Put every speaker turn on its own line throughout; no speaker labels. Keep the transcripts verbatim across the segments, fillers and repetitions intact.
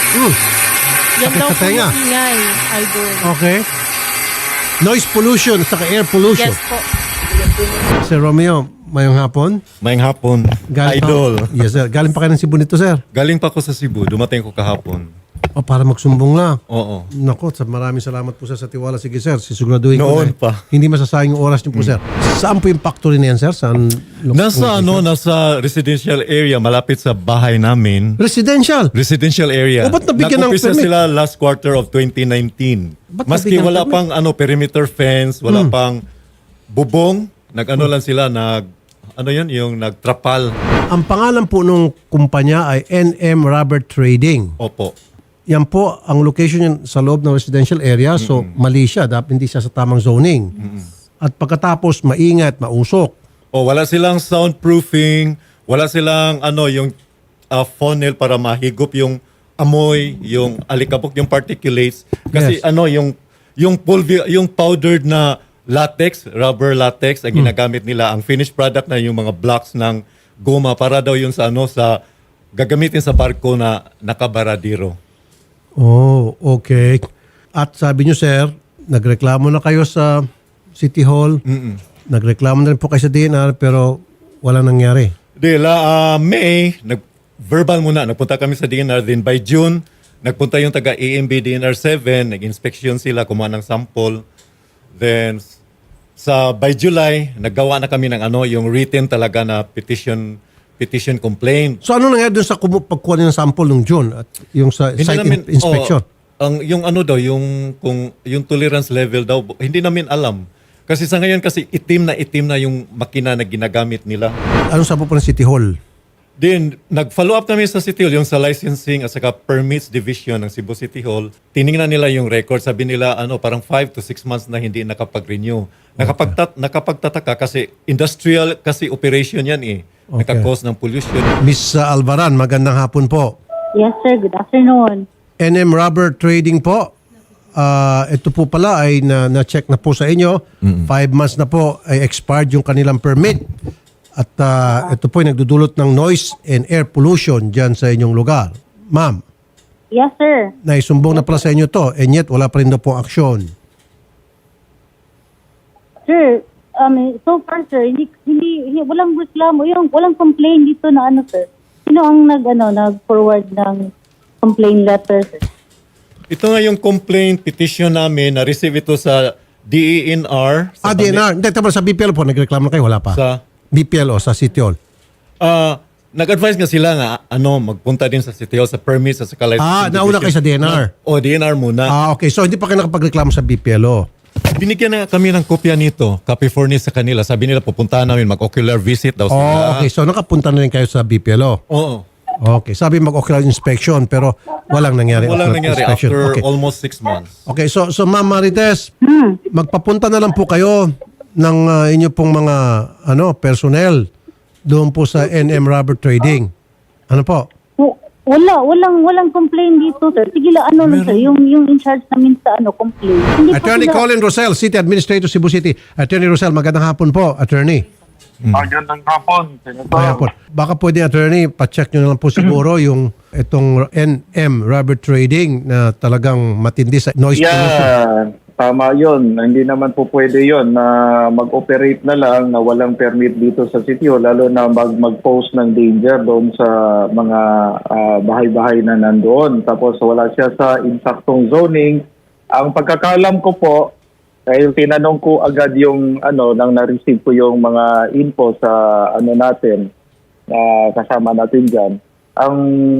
Mm.
Yan
Sakit
daw
sa
po
tenga.
yung ingay, idol.
Okay. Noise pollution at saka air pollution.
Yes po.
Sir Romeo, mayong hapon.
Mayang hapon,
Galing
idol.
Pa, yes, sir. Galing pa kayo ng Cebu nito, sir.
Galing pa ako sa Cebu, dumating ko kahapon.
O, para magsumbong lang.
Oo.
Nako, sa maraming salamat po sir sa tiwala. Sige sir, sisiguraduhin ko
Noon
na,
pa.
hindi masasayang yung oras niyo po sir. Saan po yung factory na yan sir? Saan?
Nasa ano, nasa residential area malapit sa bahay namin.
Residential.
Residential area.
O, ba't nabigyan ng
Nag-umpisa
permit?
sila last quarter of twenty nineteen.
Ba't
Maski
nabigyan ng
wala
permit?
pang ano perimeter fence, wala pang bubong, nag-ano lang sila, nag ano yun, yung nagtrapal.
Ang pangalan po nung kumpanya ay N M Rubber Trading.
Opo.
Yan po, ang location yan sa loob ng residential area. So, mali siya. Dapat hindi siya sa tamang zoning. At pagkatapos, maingat, mausok.
O wala silang soundproofing, wala silang ano yung uh, funnel para mahigop yung amoy, yung alikabok, yung particulates. Kasi
Yes.
ano yung yung pulver, yung powdered na latex, rubber latex ang ginagamit nila. Ang finished product na yung mga blocks ng goma para daw yun sa ano sa gagamitin sa barko na nakabaradiro.
Oh, okay. At sabi nyo, sir, nagreklamo na kayo sa City Hall.
Mm-mm.
Nagreklamo na rin po kayo sa D N R pero walang nangyari.
De la ah, May, nag verbal muna, nagpunta kami sa D N R, then by June, nagpunta yung taga A M B D N R seven, nag-inspection sila, kumuha ng sample. Then sa by July, naggawa na kami ng ano, yung written talaga na petition petition complaint.
So ano nangyari dun sa kumu- pagkuha ng sample nung June at yung sa
Hindi
site
namin-
in- inspection?
oh, ang yung ano daw, yung kung yung tolerance level daw, hindi namin alam. Kasi sa ngayon kasi itim na itim na yung makina na ginagamit nila.
Anong sabi po ng City Hall?
Then, nag-follow up kami sa City Hall, yung sa licensing at saka permits division ng Cebu City Hall. Tiningnan nila yung record. Sabi nila, ano, parang five to six months na hindi nakapag-renew. Nakapagtat nakapagtataka kasi industrial kasi operation yan eh.
Okay.
Nagka-cause ng pollution.
Miss uh, Alvaran, magandang hapon po.
Yes, sir. Good afternoon.
N M Rubber Trading po. Ah, ito po pala ay na, na-check na po sa inyo. Five months na po ay expired yung kanilang permit. At ah, ito po ay nagdudulot ng noise and air pollution dyan sa inyong lugar. Ma'am,
Yes, sir.
naisumbong na pala sa inyo to and yet wala pa rin daw pong aksyon.
Sir, um, so far, sir, hindi, hindi, hindi walang reklamo, yung walang complaint dito na ano, sir. Sino ang nag, ano, nag-forward ng complaint letter, sir?
Ito nga yung complaint petition namin. Na-receive ito sa D E N R.
Ah,
Sa
D N R. Hindi, tama, sa B P L po, nagreklamo na kayo, wala pa.
Sa,
B P L o sa City Hall.
ah, nag-advise nga sila nga, ano, magpunta din sa City Hall sa permits at saka licensing
Ah, nauna kayo sa D N R.
O, D N R muna.
Ah, okay. So, hindi pa kayo nakapagreklamo sa B P L O.
Binigyan na kami ng kopya nito, copy furnish sa kanila. Sabi nila pupuntahan namin, mag-ocular visit daw sila.
Oh, okay. So, nakapunta na rin kayo sa B P L O.
Oo.
Okay. Sabi mag-ocular inspection pero walang nangyari.
Walang
ocular
nangyari
inspection.
after
Okay.
almost six months.
Okay. So, so Ma'am Marites, magpapunta na lang po kayo ng uh, inyo pong mga ano personnel doon po sa N M Rubber Trading. Ano po?
W- Wala, walang, walang complaint dito, sir. Sige lang, ano lang, sir, yung, yung in charge namin sa, ano, complaint. Hindi pa
Attorney
sila-
Colin Rosel, City Administrator, Cebu City. Attorney Rosel, magandang hapon po, Attorney.
Magandang hapon, Senator.
Kaya po. Baka pwede, Attorney, pa-check nyo na lang po siguro yung itong N M Rubber Trading na talagang matindi sa noise pollution.
Yeah, tama yun. Hindi naman po pwede yun na mag-operate na lang na walang permit dito sa sitio, lalo na mag- mag-post ng danger doon sa mga ah, bahay-bahay na nandoon. Tapos wala siya sa insaktong zoning. Ang pagkakalam ko po, dahil tinanong ko agad yung ano nang na-receive ko yung mga info sa ano natin na kasama natin diyan. Ang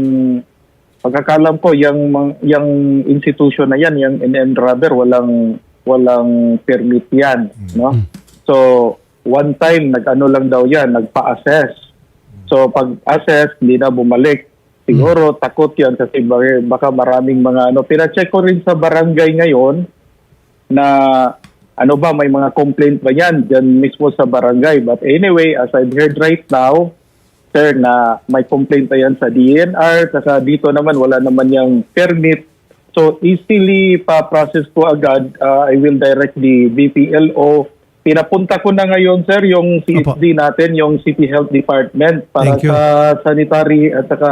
pagkakalam ko yung mang- yung institution na yan, yung N M Rubber, walang walang permit yan, no? So one time nag-ano lang daw yan, nagpa-assess. So pag-assess hindi na bumalik. Siguro takot yan kasi baka baka maraming mga ano. Pina-check ko rin sa barangay ngayon na ano ba, may mga complaint ba yan dyan mismo sa barangay. But anyway, as I've heard right now, sir, na may complaint pa yan sa D N R, kasi dito naman wala naman yung permit. So easily pa-process ko agad. Uh, I will direct the B P L O. Pinapunta ko na ngayon, sir, yung C H D natin, yung City Health Department para
Thank you.
sa sanitary at saka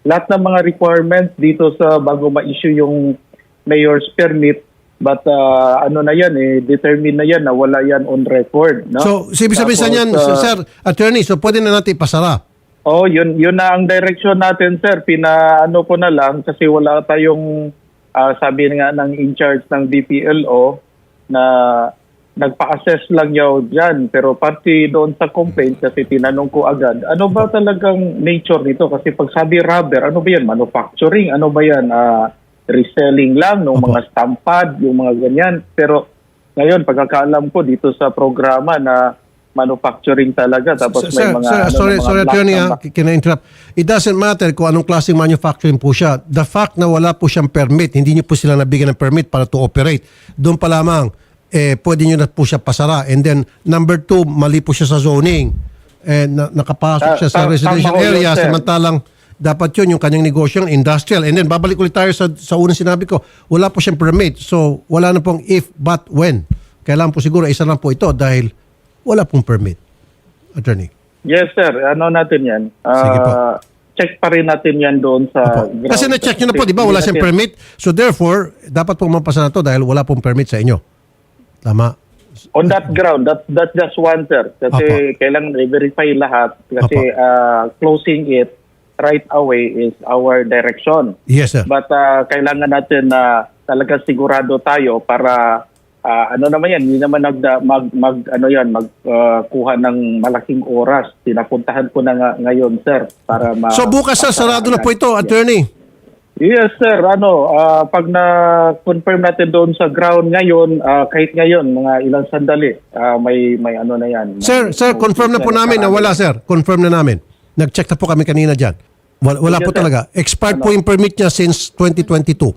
lahat ng mga requirements dito sa bago ma-issue yung mayor's permit. But uh, ano na yan, eh, determine na yan na wala yan on record. No?
So, ibig sabihin sa
Tapos,
niyan,
uh,
sir, attorney, so pwede na natin ipasara.
Oh, yun yun na ang direction natin, sir. Pinaano ko na lang kasi wala tayong ah, sabi nga ng in charge ng D P L O na nagpa-assess lang yaw diyan, pero pati doon sa complaint kasi tinanong ko agad, ano ba talagang nature nito? Kasi pag sabi rubber, ano ba yan? Manufacturing, ano ba yan? Ah, reselling lang ng
Opo.
mga stampad, yung mga ganyan. Pero ngayon, pagkakaalam ko dito sa programa na manufacturing talaga tapos
Sir,
may mga
sir,
ano,
sorry,
mga
sorry
black
attorney,
na-
ha, can I interrupt? It doesn't matter kung anong klaseng manufacturing po siya. The fact na wala po siyang permit, hindi niyo po sila nabigyan ng permit para to operate. Doon pa lamang, eh, pwede niyo na po siya pasara. And then, number two, mali po siya sa zoning. Eh, na, nakapasok
Ta-
siya sa
ta-
residential
tama ho yun,
area,
sir.
samantalang dapat yun, yung kanyang negosyo, industrial. And then, babalik ulit tayo sa, sa unang sinabi ko, wala po siyang permit. So, wala na pong if, but, when. Kailangan po siguro, isa lang po ito dahil wala pong permit. Attorney.
Yes, sir. Ano natin yan? Ah,
Sige po.
check pa rin natin yan doon sa
Opo.
ground.
Kasi na-check nyo na po, di ba? Wala siyang
Hindi
permit. So therefore, dapat pong mapasa na to dahil wala pong permit sa inyo. Tama.
natin- On that ground, that's, that's just one, sir. Kasi kailangan i-verify lahat. Kasi ah, closing it right away is our direction.
Yes, sir.
But ah, kailangan natin na talaga sigurado tayo para ah, ano naman yan, hindi naman nag, mag, mag ano yan, magkuha ng malaking oras. Pinapuntahan ko na nga, ngayon, sir, para ma...
So bukas, sir, sarado na po ito, attorney.
Yes, sir. Ano, ah, pag na-confirm natin doon sa ground ngayon, ah, kahit ngayon, mga ilang sandali, ah, may may ano na yan.
Sir,
May-
sir, confirm na po namin na wala, sir. Confirm na namin. Nag-check na po kami kanina dyan. Wala, wala po
Yes, sir.
talaga. Expired po yung permit niya since twenty twenty-two.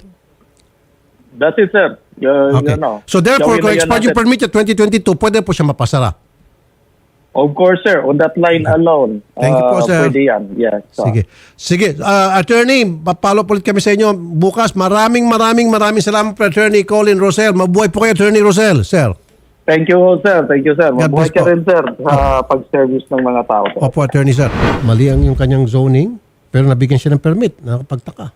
That's it, sir. Uh,
Okay.
yun, ano.
So therefore,
Gawin
kung
na yan
expired yung
natin.
permit niya twenty twenty-two, pwede po siya mapasara.
Of course, sir. On that line alone.
Thank you po,
ah,
sir.
Pwede yan. Yes. So,
Sige. Sige. Uh, attorney, papalo po ulit kami sa inyo bukas. Maraming maraming maraming salamat po, Attorney Colin Rosel. Mabuhay po kayo, Attorney Rosel. Sir.
Thank you, sir. Thank you, sir.
God
Mabuhay
bless
ka
po.
rin, sir, sa pag-service ng mga tao. Sir.
Opo, Attorney, sir. Mali ang yung kanyang zoning, pero nabigyan siya ng permit. Nakapagtaka.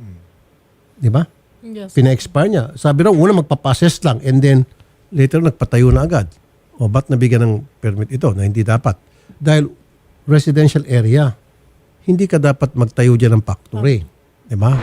Di ba?
Yes.
Pina-expire niya. Sabi raw, una magpapases lang and then later nagpatayo na agad. O ba't nabigyan ng permit ito na hindi dapat? Dahil residential area, hindi ka dapat magtayo dyan ng factory. Di ba?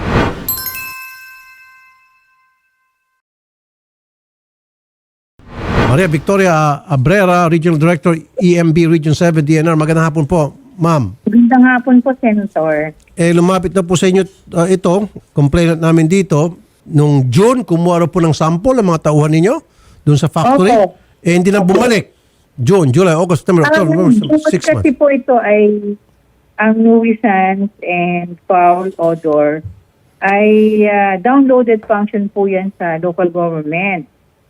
Maria Victoria Abrera, Regional Director, E M B Region seven D N R. Magandang hapon po, ma'am.
Magandang hapon po, Senator.
Eh, lumapit na po sa inyo uh, ito, complainant namin dito, nung June, kumuha raw po ng sample ang mga tauhan ninyo doon sa factory.
Opo.
Eh, hindi na bumalik. June, July, August, September, October,
Ang
November,
bukod
six
kasi
months.
po ito ay ang nuisance and foul odor ay ah, downloaded function po yan sa local government.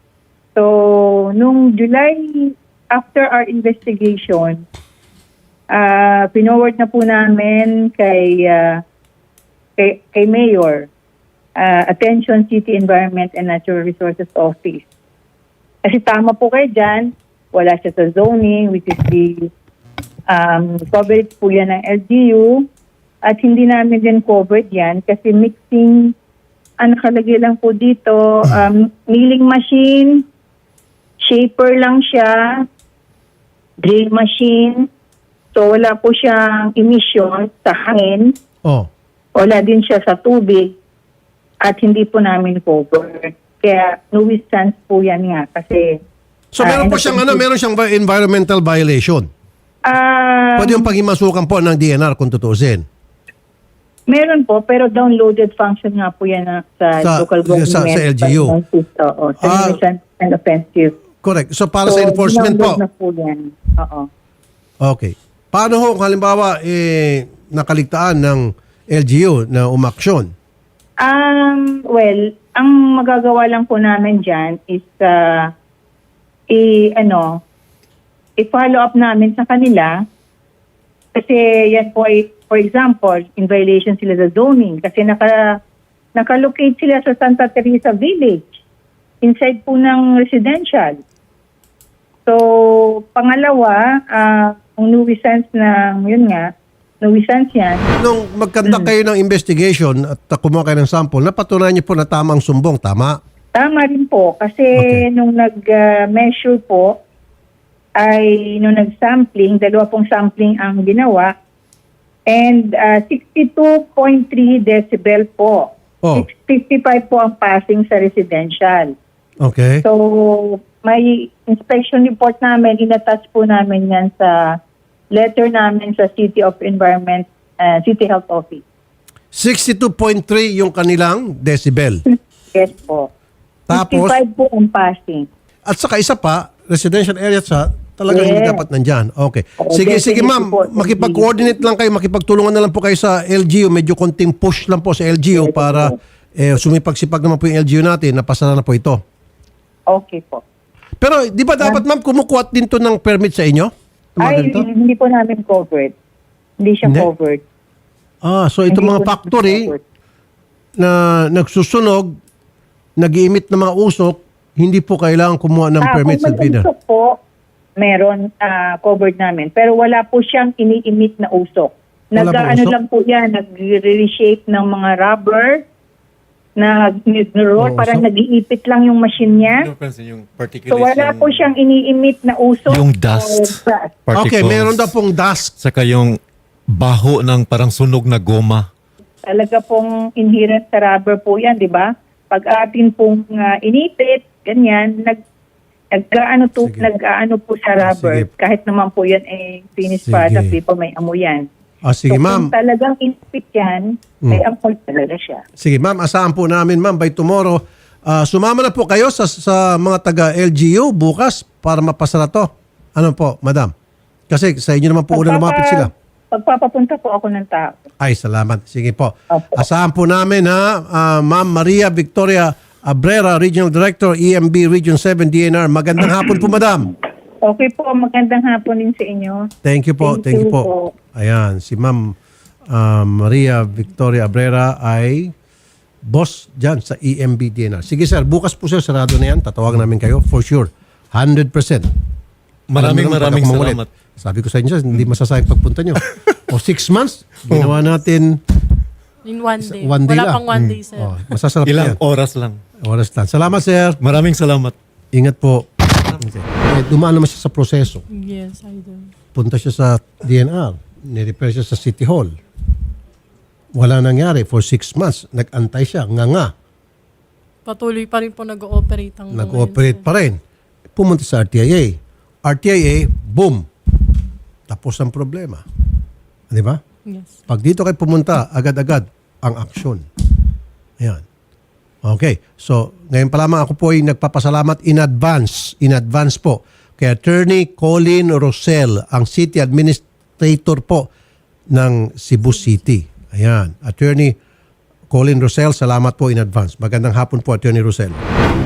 So, nung July, after our investigation, uh, pinoward na po namin kay, ah, kay, kay Mayor, ah, Attention City Environment and Natural Resources Office. Kasi tama po kayo dyan, wala siya sa zoning, which is the um, coverage po yan ng L G U. At hindi namin din covered yan kasi mixing, ang nakalagay lang po dito, um, milling machine, shaper lang siya, drill machine. So wala po siyang emission sa hangin,
Oh.
wala din siya sa tubig, at hindi po namin covered. Kaya nuisance po yan nga kasi
So,
Ah,
meron po
and-
siyang, ano, meron siyang vi- environmental violation.
ah
Pwede yung paghimasukan po ng D N R kung tutuusin.
meron po, pero downloaded function nga po yan ah, sa,
Sa-
local government.
sa- sa L G U.
Oo, sa
Ah.
nuisance and offensive.
Correct. So, para
So,
sa enforcement po.
download na po yan. Oo.
Okay. Paano ho kung halimbawa eh, nakaligtaan ng L G U na umaksyon?
Um, well, ang magagawa lang po namin dyan is uh, i, ano, i-follow up namin sa kanila kasi yan po ay, for example, in violation sila sa zoning kasi naka, nakalocate sila sa Santa Teresa Village inside po ng residential. So, pangalawa, ah, ang nuisance ng, yun nga, nuisance yan.
Nung magkandak kayo ng investigation at uh, kumuha kayo ng sample, napatunayan niyo po na tama ang sumbong, tama?
Tama rin po kasi
Okay.
nung nag-measure po ay nung nag-sampling, dalawa pong sampling ang ginawa and uh, sixty-two point three decibel po.
Oh.
fifty-five po ang passing sa residential.
Okay.
So, may inspection report namin, inattach po namin yan sa letter namin sa City of Environment, uh, City Health Office.
sixty-two point three yung kanilang decibel.
Yes po.
Tapos,
fifty-five po ang passing.
at saka isa pa, residential area sa talagang
Yes.
hindi dapat nandyan. Okay.
Oo,
Sige, sige
definitely
ma'am,
po.
makipag-coordinate lang kayo, makipagtulungan na lang po kayo sa L G U. Medyo konting push lang po sa L G U para eh, sumipag-sipag naman po yung L G U natin, napasara na po ito.
Okay po.
Pero di ba dapat ma'am kumukuha din to ng permit sa inyo? Ng mga
Ay,
ganito?
hindi po namin covered. Hindi siya
Hindi?
covered.
Ah, so itong
Hindi
mga
po namin
factory
covered.
na nagsusunog, nag-iimit ng mga usok, hindi po kailangan kumuha ng
Ah,
permit sa
kung may
bidder.
usok po, meron ah, covered namin. Pero wala po siyang ini-emit na usok.
Wala pong
Nag-ano
usok?
lang po yan, nag-reshape ng mga rubber, na nag-roll,
Oo,
parang
usok?
nag-iipit lang yung machine niya.
Yung, Francis, yung
So
particulate
wala
yung-
po siyang ini-emit na usok.
Yung
or
dust.
gas.
particles.
Okay, meron daw pong dust.
Saka yung baho ng parang sunog na goma.
Talaga pong inherent sa rubber po yan, di ba? Pag atin pong ah, inipit, ganyan, nag nag-aano to,
Sige.
nag-aano po sa rubber.
Sige.
Kahit naman po yan eh finished
Sige.
product, di pa may amoy yan.
Ah, sige
so,
ma'am.
kung talagang inipit yan, may amoy talaga siya.
Sige ma'am, asahan po namin ma'am by tomorrow. ah, sumama na po kayo sa, sa mga taga L G U bukas para mapasara to. Ano po, madam? Kasi sa inyo naman po una lumapit sila.
Pagpapapunta po ako ng tao.
Ay, salamat. Sige po.
Opo.
Asahan po namin ha, ah, Ma'am Maria Victoria Abrera, Regional Director, E M B Region seven D N R. Magandang hapon po, madam.
Okay po, magandang hapon din sa inyo.
Thank you po. Thank,
Thank
you
you
po.
po.
Ayan, si Ma'am ah, Maria Victoria Abrera ay boss dyan sa E M B D N R. Sige sir, bukas po sir, sarado na yan. Tatawagan namin kayo for sure. one hundred percent.
Maraming
Alam mo naman,
maraming
pag ako mangulit.
salamat.
Sabi ko sa inyo, hindi masasayang pagpunta nyo. O six months, ginawa natin
In one day.
one day
Wala
lang.
pang one day, sir.
Oh, masasarap
Ilang
yan.
oras lang.
Oras lang. Salamat sir.
Maraming salamat.
Ingat po. Okay. Eh, dumaan naman siya sa proseso.
Yes, I do.
Punta siya sa D N R. Nirepair siya sa City Hall. Wala nangyari for six months. Nag-antay siya. Nga nga.
Patuloy pa rin po nag-ooperate ang
Nag-ooperate pa rin. Pumunta sa R T I A. R T I A, boom. Tapos ang problema. Di ba?
Yes.
Pag dito kayo pumunta, agad-agad ang aksyon. Ayan. Okay. So, ngayon pa lamang ako po ay nagpapasalamat in advance. In advance po. Kay Attorney Colin Rosel, ang City Administrator po ng Cebu City. Ayan. Attorney Colin Rosel, salamat po in advance. Magandang hapon po, Attorney Rosel.